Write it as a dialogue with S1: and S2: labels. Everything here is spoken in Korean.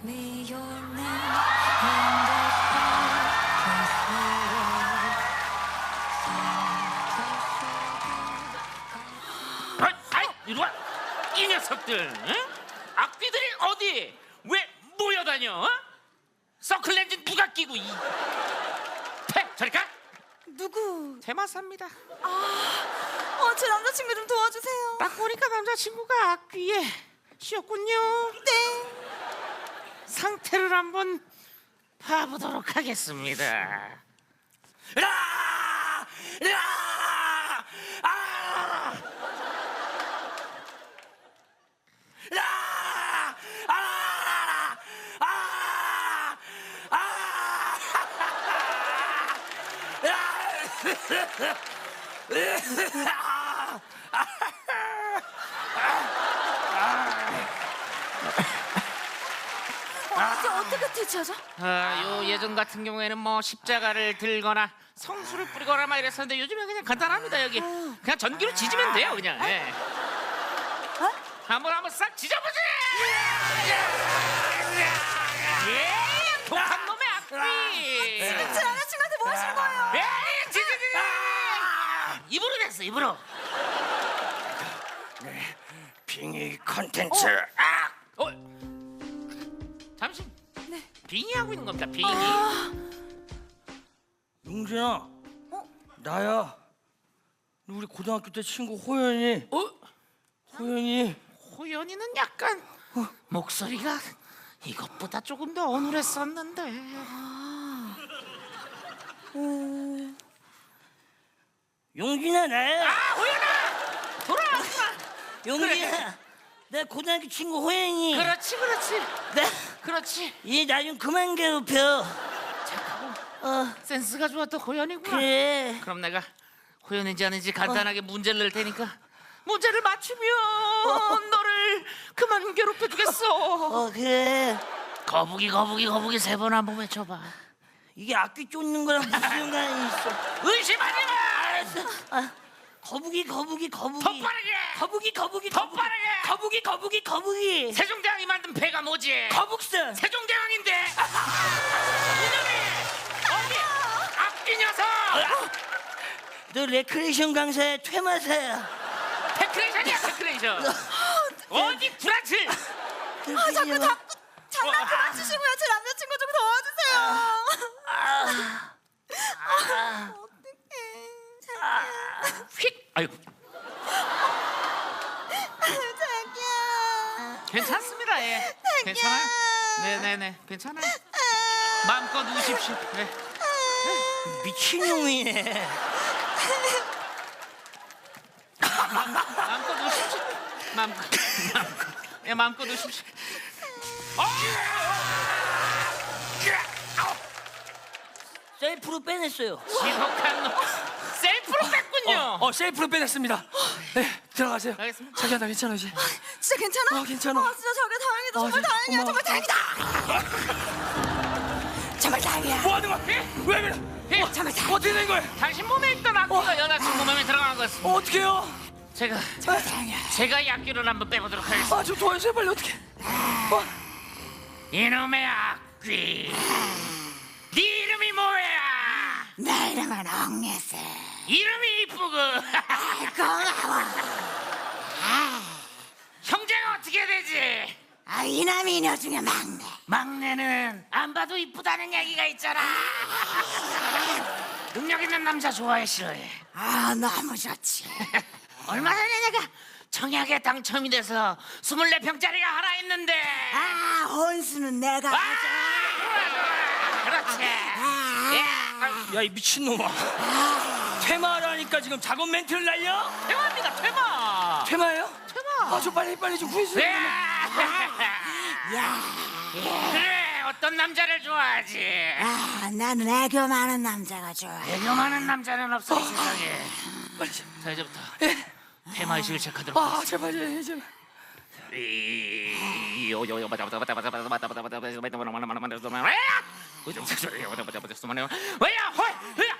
S1: me your name in the sky with the world.
S2: 아이, 이리 와. 이 녀석들, 응? 악귀들이 어디? 왜 모여다녀? 어? 서클렌즈 누가 끼고 저리 가.
S3: 누구?
S2: 대마사입니다.
S3: 제 남자친구 좀 도와주세요.
S2: 딱 보니까 남자친구가 악귀에 씌었군요.
S3: 네.
S2: 상태를 한번 봐보도록 하겠습니다. 라! 라! 아! 라! 아! 아!
S3: 이제 어떻게 대처하죠?
S2: 요 예전 같은 경우에는 뭐 십자가를 들거나 성수를 뿌리거나 막 이랬었는데 요즘엔 그냥 간단합니다. 여기 그냥 전기로 지지면 돼요. 그냥 예. 한번 싹 지져보지. 예, 독한 놈의 악귀.
S3: 제 남자친구한테 뭐 하시는 거예요?
S2: 예, 지지. 입으로 됐어, 입으로.
S4: 빙의 컨텐츠.
S2: 잠시. 네. 빙의 하고 있는 겁니까? 빙의.
S4: 용진아, 나야. 우리 고등학교 때 친구 호연이. 호연이.
S2: 호연이는 약간 목소리가 이것보다 조금 더 어눌했었는데.
S4: 용진아, 나야.
S2: 호연아! 돌아왔구나.
S4: 용진아, 내 고등학교 친구 호연이.
S2: 그렇지.
S4: 나,
S2: 그렇지.
S4: 얘 나 좀 그만 괴롭혀.
S2: 착하고 센스가 좋았던 호연이구나.
S4: 그래.
S2: 그럼 내가 호연인지 아닌지 간단하게 문제를 낼 테니까 문제를 맞추면 너를 그만 괴롭혀주겠어.
S4: 그래.
S2: 거북이 세 번 한번 외쳐봐.
S4: 이게 악기 쫓는 거랑 무슨 상관이 있어?
S2: 의심하지 마.
S4: 알았어. 거북이.
S2: 더 빠르게.
S4: 거북이.
S2: 세종대왕이 만든 배가 뭐지?
S4: 거북선.
S2: 세종대왕인데. 이놈이 어디 악기 녀석.
S4: 너 레크레이션 강사야, 퇴마사야?
S2: 테크레이션. 어디 불안치?
S3: 자꾸 장난 그만 치시고요. 제 남자친구 좀 도와주세요. 어떡해.
S2: 휙. 아이고.
S3: 자기야.
S2: 괜찮습니다. 예. 괜찮아요. 네네네. 괜찮아요. 마음껏 우십시오. 네.
S4: 미친놈이네.
S2: 마음껏 우십시오. 마음껏. 예, 마음껏 우십시오.
S4: 셀프로 빼냈어요.
S2: 지독한 놈. 셀프로 뺐군요.
S5: 셀프로 빼냈습니다. 네, 들어가세요.
S2: 알겠습니다.
S5: 자기야, 나 괜찮아 이제.
S3: 진짜 괜찮아?
S5: 괜찮아.
S3: 진짜 자기야 다행이다. 정말 다행이야.
S5: 고마워.
S3: 정말 다행이다. 정말 다행이야.
S5: 뭐 하는 거야? 왜 그래?
S2: 예.
S3: 정말 다행이야.
S5: 어떻게 된 거야?
S2: 당신 몸에 있던 악기가 여자친구 몸에 들어간 것은
S5: 어떡해요?
S2: 제가 이 악기를 한번 빼보도록 하겠습니다.
S5: 좀 도와주세요, 빨리 어떡해.
S2: 이놈의 악귀. 네 이름이 뭐야?
S3: 내 이름은 옥예슬.
S2: 이름이 이쁘고.
S3: 고마워.
S2: 형제가 어떻게 되지?
S3: 이남이 너 중에 막내.
S2: 막내는 안 봐도 이쁘다는 얘기가 있잖아. 능력 있는 남자 좋아해 싫어해?
S3: 너무 좋지.
S2: 얼마 전에 내가 청약에 당첨이 돼서 24평짜리가 하나 있는데.
S3: 혼수는 내가
S2: 그렇지.
S5: 야, 이 미친놈아. 퇴마라니까 지금 작업 멘트를 날려?
S2: 퇴마입니다. 퇴마.
S5: 퇴마예요?
S2: 퇴마.
S5: 좀 빨리 좀 구해주세요.
S2: 그래, 어떤 남자를 좋아하지?
S3: 나는 애교 많은 남자가 좋아.
S2: 애교 많은 남자는 없어 이 세상에.
S5: 빨리 좀.
S2: 자, 이제부터 퇴마 의식을 체크하도록
S5: 제발.
S2: 왜야?